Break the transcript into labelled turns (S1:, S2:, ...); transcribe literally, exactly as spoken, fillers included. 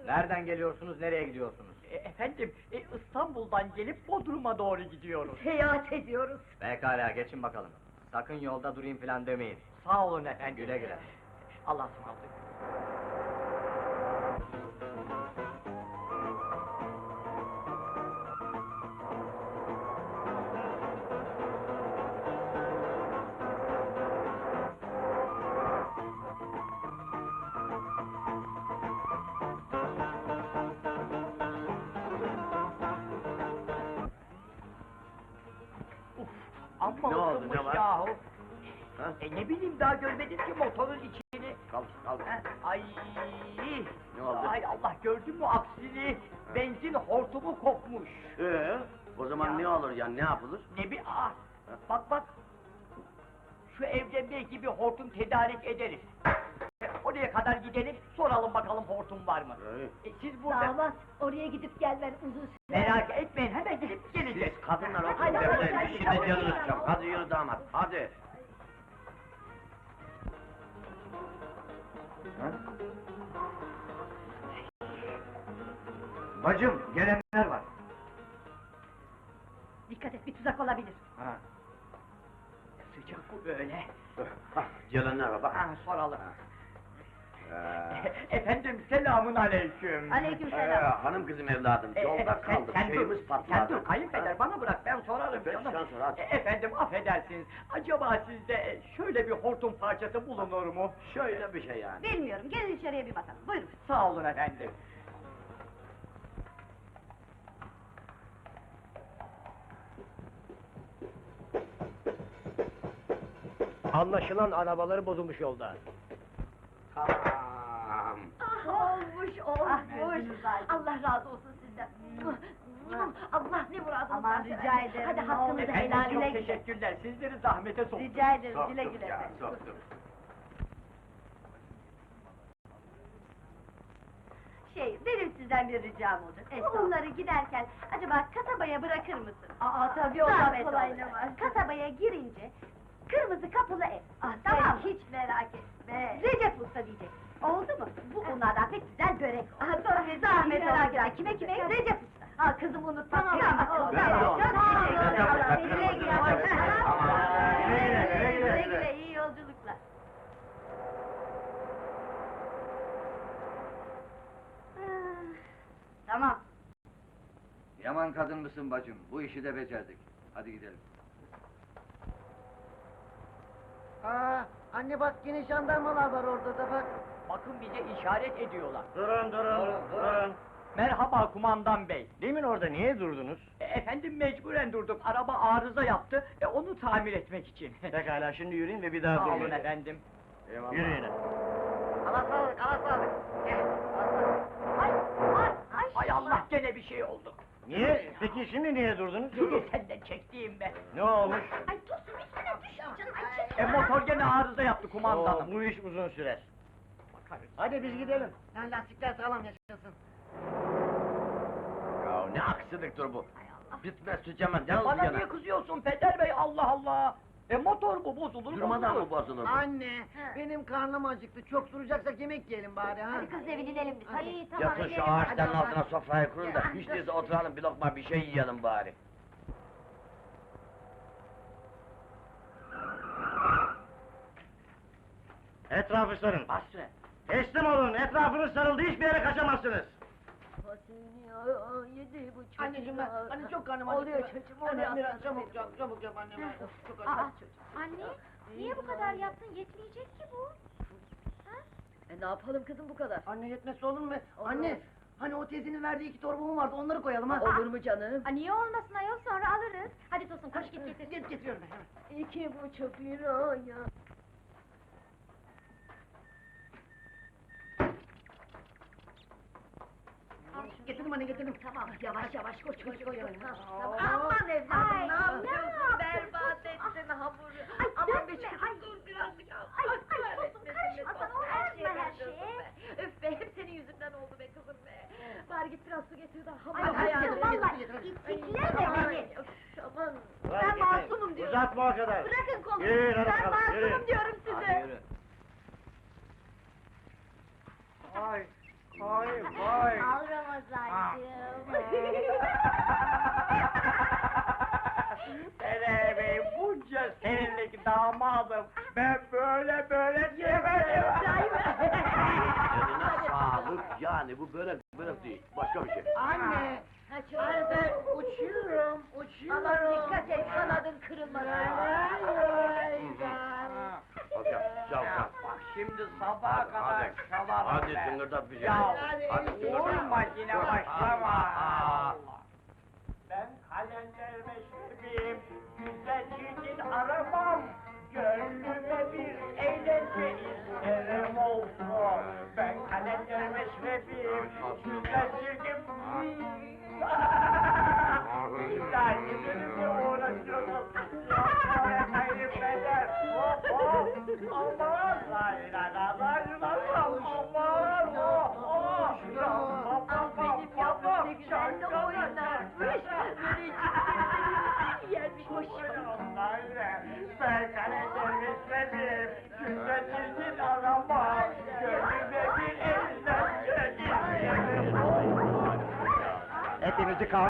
S1: Nereden geliyorsunuz, nereye gidiyorsunuz?
S2: E, efendim, e, İstanbul'dan gelip Bodrum'a doğru gidiyoruz.
S3: Seyahat ediyoruz.
S1: Pekala, geçin bakalım. Sakın yolda durayım falan demeyin.
S2: Sağ olun efendim.
S1: Güle güle.
S2: Allah'a ısmarladık. Amma
S4: Ne oldu,
S2: ısınmış
S4: ne var?
S2: yahu.
S4: Ha?
S2: E ne bileyim, daha görmedim ki motorun içini.
S4: Kalk, kalk.
S2: Ha, Ay!
S4: Ne oldu?
S2: Ay Allah, gördün mü aksini? Benzin hortumu kopmuş.
S4: Ee, o zaman
S2: Ya.
S4: ne olur ya, ne yapılır?
S2: Ne bir ah! Bak bak! Şu evde belki bir hortum tedarik ederiz. E, oraya kadar gidelim, soralım bakalım hortum var mı?
S4: Ee,
S2: E, siz burada...
S3: Damat, oraya gidip gelmen uzun süre.
S2: Merak etmeyin, hemen gidip geleceğiz.
S4: siz kadınlar oturun
S3: Hadi, hadi,
S4: devleyin,
S3: hadi,
S4: şimdi
S3: hadi,
S4: canınız
S3: hadi.
S4: çok. Hadi yürü damat, hadi.
S1: Bacım, gelenler var.
S3: Dikkat et, bir tuzak olabilir.
S1: Ha.
S2: Sıcak bu böyle.
S4: Hah, gelenler var bak.
S2: Ha, soralım.
S4: Ee,
S2: Efendim, selamun aleyküm.
S3: Aleykümselam.
S4: ee, hanım kızım evladım,
S2: E,
S4: yolda
S2: e, sen-
S4: kaldık,
S2: sen dur,
S4: şeyimiz patladı.
S2: Sen dur, kayınpeder, bana bırak, ben sorarım.
S4: Ben-
S2: canım.
S4: sen sor, hadi.
S2: E, efendim, affedersiniz, acaba sizde şöyle bir hortum parçası bulunur mu?
S4: Şöyle bir şey yani.
S3: Bilmiyorum, gelin içeriye bir bakalım. Buyurun.
S2: Sağ olun efendim.
S1: Anlaşılan arabaları bozulmuş yolda.
S4: Tamam.
S3: Ah, olmuş, olmuş. Allah razı olsun sizden. Allah ne muradınız
S5: Aman,
S3: varsa
S5: rica
S3: versin.
S5: ederim,
S3: Hadi
S5: ne
S3: hakkınızı
S5: olur.
S2: Efendim,
S3: helal
S2: çok
S3: güle güle.
S2: teşekkürler, sizleri zahmete soktum.
S5: Rica ederim,
S4: Soktuk
S5: güle güle
S4: ya,
S5: efendim.
S4: soktuk.
S5: Şey, benim sizden bir ricam olacak. Onları giderken, acaba kasabaya bırakır mısın?
S3: Aa, tabii,
S5: Zahmet
S3: ondan kolay
S5: olur.
S3: ne var?
S5: Kasabaya girince, kırmızı kapılı ev.
S3: Ah,
S5: Tamam
S3: sen
S5: mı?
S3: hiç merak etme.
S5: Recep Usta diyecek. Oldu mu? Bu onlardan pek güzel börek.
S3: Ah, tabii,
S5: Zahmet
S3: merak
S5: olacak.
S3: etme.
S5: Kime kime? Recep Usta.
S3: Ha, kızım unutma.
S5: Tamam,
S3: Tamam,
S5: tamam,
S4: Ben de
S5: tamam.
S4: onu.
S5: Çok teşekkür
S4: Recep
S5: ederim.
S4: Usta,
S5: Güle güle.
S4: Recep Usta. Aman,
S5: Güle güle,
S4: güle güle.
S5: güle güle, iyi yolculuklar.
S3: Tamam.
S6: Yaman kadın mısın bacım? Bu işi de becerdik. Hadi gidelim.
S7: Aa, anne bak yine jandarmalar var orada da bak.
S2: Bakın, bize işaret ediyorlar.
S4: Durun, durun, durun.
S2: Merhaba kumandan bey.
S1: Demin orada niye durdunuz?
S2: E, efendim, mecburen durduk, araba arıza yaptı, e, onu tamir etmek için.
S1: Pekala, şimdi yürüyün ve bir daha
S2: Sağ olun
S1: durmayın.
S2: efendim.
S4: Eyvallah.
S1: Yürüyün.
S7: Ana sağlık, ana sağlık. Gel, ana sağlık.
S5: Ay, ay, ay.
S2: Hay Allah, gene bir şey oldu.
S1: Niye? Peki şimdi niye durdunuz?
S2: Yürü senden çektiğim be.
S1: Ne olmuş?
S5: Ay, tosun üstüne düş canım, ay çekil.
S2: E, motor gene arıza yaptı kumandanım.
S1: Oo, bu iş uzun sürer.
S2: Bakarız.
S1: Hadi biz gidelim.
S7: Lan lastikler sağlam yaşasın.
S4: Ya ne aksiliktir bu? Bitmez tükenmez, yalnız
S2: Bana
S4: yana.
S2: niye kızıyorsun Peder bey, Allah Allah! E motor bu, bozulur,
S4: Durmadan
S2: bozulur.
S4: mı bozulur bu?
S7: Anne, benim karnım acıktı. Çok duracaksak yemek yiyelim bari ha.
S5: Hadi kız evine inelim biz, hadi.
S3: İyi, tamam.
S4: Yatın şu
S3: gidelim.
S4: ağaçların
S3: Hadi
S4: altına sofrayı kurun da
S3: Ya,
S4: hiç
S3: dur.
S4: değilse oturalım bir lokma bir şey yiyelim bari.
S1: Etrafı sarın.
S2: Basri.
S1: Teslim olun, etrafınız sarıldı, hiçbir yere kaçamazsınız.
S3: Yedi buçuk.
S7: Anneciğim ben, anne çok karnım
S3: Oluyor
S7: acıktı.
S3: çocuğum,
S7: Anne
S3: oluyor.
S7: biraz çabuk yap, çabuk yap anne. ben- Of, çok
S5: Aa,
S7: acıktım.
S5: anne, niye bu kadar yaptın? Yetmeyecek ki bu.
S3: E, ne yapalım kızım bu kadar?
S7: Anne yetmezse olur mu?
S3: Olur.
S7: Anne, hani o teyzenin verdiği iki torbamı vardı, onları koyalım ha.
S3: Olur mu canım?
S5: Aa, niye olmasın ayol, sonra alırız. Hadi Tosun, koş git getir.
S7: Get, getiriyorum ben hemen.
S3: İki buçuk lira ya.
S7: Getirdim anne, getirdim.
S3: Tamam, yavaş yavaş koş koş koş. koş. Tamam,
S7: Aa,
S3: tamam. Aman evladım,
S5: Ay,
S3: ne yapıyorsun?
S5: ne
S3: Berbat
S5: yapıyorsun?
S3: ettin hamuru.
S5: Ay,
S3: Aman
S5: dökme,
S3: be çocuğum,
S5: ay.
S3: dur birazcık al.
S5: Ay,
S3: Ay,
S5: ay, Tosun,
S3: kahretmesin
S5: karışma
S3: be
S5: sana,
S3: Tosun, her
S5: uğraşma
S3: şeye
S5: her
S3: karışıyorsun
S5: şeye.
S3: be. Öf be, hep senin yüzünden oldu be kızım be. Bari git biraz su getir de hamur.
S5: Ay,
S3: Ay,
S5: ay,
S3: hayatım,
S5: vallahi,
S3: getir, getir.
S5: itikleme
S3: Ay,
S5: beni.
S3: öf, Aman.
S1: Hadi
S5: Ben
S1: gitmeyin.
S5: masumum diyorum.
S1: Uzatma o kadar.
S5: Bırakın kolumu.
S1: Yürüyün, hadi
S5: Ben
S1: bakalım, yürüyün.
S5: masumum diyorum
S4: Hadi
S5: size.
S4: yürü.
S1: Ay,
S2: Vay vay.
S3: Al Ramazancığım.
S2: Hele bey bunca senelik damadım. Ben böyle böyle yemedim.
S4: Eline sağlık yani bu börek börek değil başka bir şey.
S7: Anne.
S3: Ha çocuğum.
S7: Uçuyorum, uçuyorum.
S3: Aman dikkat et kanadın kırılmasın.
S4: Hocam çal çal.
S2: Bak şimdi sabaha
S4: Hadi,
S2: kadar
S4: hadi.
S2: çalarım
S4: Hadi
S2: ben.
S4: tıngırdat bir şey.
S2: Ya
S4: Hadi tıngırdat.
S2: vurma yine başlama.
S4: Aa.
S2: Ben kalender meşrebiyim, güzel çirkin aramam. Gönlüme bir eğlence isterim olsun. Ben kalender meşrebiyim, güzel çirkin... İlla benimle uğraşıyorsun. Yapmaya kaybeder. Hop hop. Aman lay lay lay lay lay. Aman hop hop. Bam bam bam bam bam.
S3: Sen de oynarmış. Yermiş hoşuma.
S2: Ben kalender meşrebiyim, güzel çirkin arama. Gönlüme bir eğlence isterim.
S1: Hepinizi kah